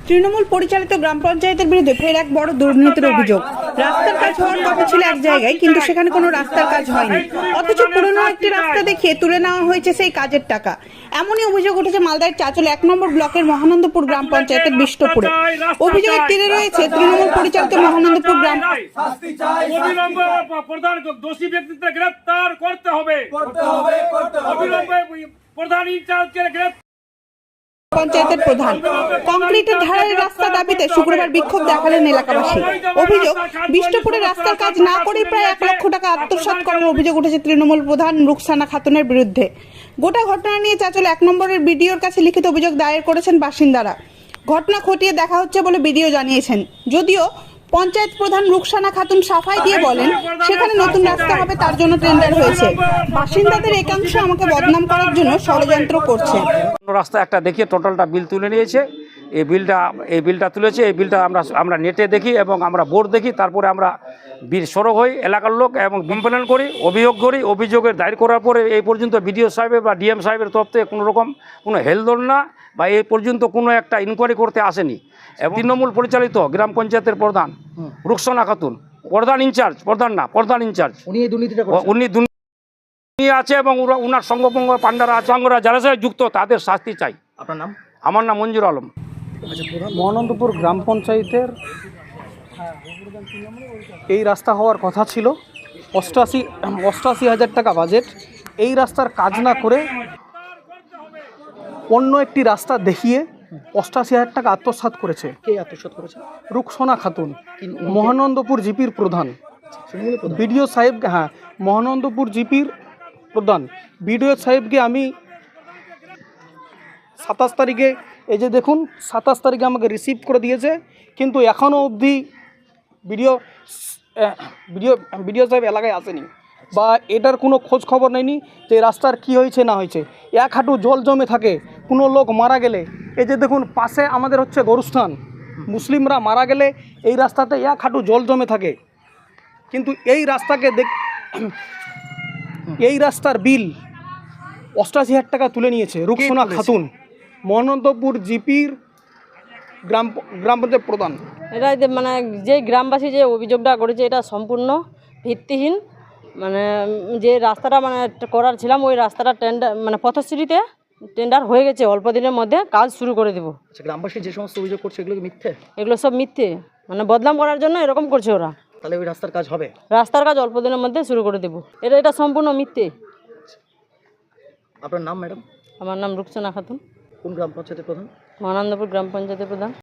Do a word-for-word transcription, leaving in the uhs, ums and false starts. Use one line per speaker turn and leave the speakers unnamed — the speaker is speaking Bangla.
তৃণমূল পরিচালিত গ্রাম পঞ্চায়েতের বিরুদ্ধে ফের এক বড় দুর্নীতির অভিযোগ। রাস্তার কাজ হওয়ার কথা ছিল এক জায়গায়, কিন্তু সেখানে কোনো রাস্তার কাজ হয়নি, অথচ পুরনো একটি রাস্তা দেখিয়ে তুলে নেওয়া হয়েছে সেই কাজের টাকা। এমনই অভিযোগ উঠেছে মালদার চাঁচল এক নম্বর ব্লকের মহানন্দপুর গ্রাম পঞ্চায়েতের বিষ্টপুরে। অভিযোগের তীরে রয়েছে তৃণমূল পরিচালিত মহানন্দপুর গ্রাম
দোষী ব্যক্তিদের গ্রেফতার করতে হবে। প্রধান ইনচার্জকে গ্রেফতার
পঞ্চায়েতের প্রধান কংক্রিটের ধারের রাস্তা দাবিতে শুক্রবার বিক্ষোভ দেখালেন এলাকাবাসী। অভিযোগ, বিষ্টপুরে রাস্তার কাজ না করে প্রায় এক লক্ষ টাকা আত্মসাৎ করার অভিযোগ উঠেছে তৃণমূল প্রধান রুকসানা খাতুনের বিরুদ্ধে। গোটা ঘটনা নিয়ে চাঁচল এক নম্বরের বিডিওর কাছে লিখিত অভিযোগ দায়ের করেছেন বাসিন্দারা। ঘটনা খতিয়ে দেখা হচ্ছে বলে বিডিও জানিয়েছেন। যদিও পঞ্চায়েত প্রধান রুকসানা খাতুন সাফাই দিয়ে বলেন সেখানে নতুন রাস্তা হবে, তার জন্য টেন্ডার হয়েছে। বাসিন্দাদের একাংশ আমাকে বদনাম করার জন্য ষড়যন্ত্র করছে।
রাস্তা একটা দেখিয়ে টোটালটা বিল তুলে নিয়েছে। এই বিলটা এই বিলটা তুলেছে এই বিলটা আমরা আমরা নেটে দেখি এবং আমরা বোর্ড দেখি, তারপরে আমরা বিল সরব হই, এলাকার লোক এবং কমপ্লেন করি, অভিযোগ করি। অভিযোগের দায়ের করার পরে এই পর্যন্ত বিডিও সাহেবের বা ডিএম সাহেবের তরফ থেকে কোনো রকম কোনো হেলদোল না বা এই পর্যন্ত কোনো একটা ইনকোয়ারি করতে আসেনি। এবং তৃণমূল পরিচালিত গ্রাম পঞ্চায়েতের প্রধান রুকসানা খাতুন, প্রধান ইনচার্জ, প্রধান না প্রধান ইনচার্জ, উনি এই দুর্নীতিটা উনি দুর্নীতি আছে এবং ওনার সঙ্গপঙ্গ পান্ডারা সঙ্গরা যারা সাথে যুক্ত তাদের শাস্তি চাই।
আপনার নাম?
আমার নাম মঞ্জুর আলম।
মহানন্দপুর গ্রাম পঞ্চায়েতের এই রাস্তা হওয়ার কথা ছিল, অষ্টাশি অষ্টাশি হাজার টাকা বাজেট। এই রাস্তার কাজ না করে অন্য একটি রাস্তা দেখিয়ে অষ্টাশি হাজার টাকা আত্মসাৎ করেছে।
কে আত্মসাৎ করেছে?
রুকসানা খাতুন, মহানন্দপুর জিপির প্রধান। বিডিও সাহেবকে, হ্যাঁ মহানন্দপুর জিপির প্রধান বিডিও সাহেবকে আমি সাতাশ তারিখে, এই যে দেখুন সাতাশ তারিখে আমাকে রিসিভ করে দিয়েছে, কিন্তু এখনও অবধি বিডিও বিডিও বিডিও সাহেব এলাকায় আসেনি বা এটার কোনো খোঁজ খবর নেয়নি যে রাস্তার কি হয়েছে না হয়েছে। এক হাঁটু জল জমে থাকে, কোনো লোক মারা গেলে, এই যে দেখুন পাশে আমাদের হচ্ছে গরুস্থান, মুসলিমরা মারা গেলে এই রাস্তাতে এক হাঁটু জল জমে থাকে। কিন্তু এই রাস্তাকে দেখ এই রাস্তার বিল অষ্টাশি হাজার টাকা তুলে নিয়েছে রুকসানা খাতুন, মহানন্দপুর জিপির গ্রাম গ্রাম পঞ্চায়েত প্রধান।
এটা মানে যে গ্রামবাসী যে অভিযোগটা করেছে এটা সম্পূর্ণ ভিত্তিহীন। মানে যে রাস্তাটা মানে করার ছিলাম ওই রাস্তাটা টেন্ডার মানে পথশ্রীতে টেন্ডার হয়ে গেছে, অল্প দিনের মধ্যে কাজ শুরু করে দেবো।
আচ্ছা, গ্রামবাসী যে সমস্ত অভিযোগ করছে এগুলো কি মিথ্যে?
এগুলো সব মিথ্যে, মানে বদনাম করার জন্য এরকম করছে ওরা।
তাহলে ওই রাস্তার কাজ হবে?
রাস্তার কাজ অল্প দিনের মধ্যে শুরু করে দেবো। এটা এটা সম্পূর্ণ মিথ্যে।
আপনার নাম ম্যাডাম?
আমার নাম রুকসানা খাতুন,
কোন গ্রাম পঞ্চায়েতের প্রধান?
মহানন্দপুর গ্রাম পঞ্চায়েতের প্রধান।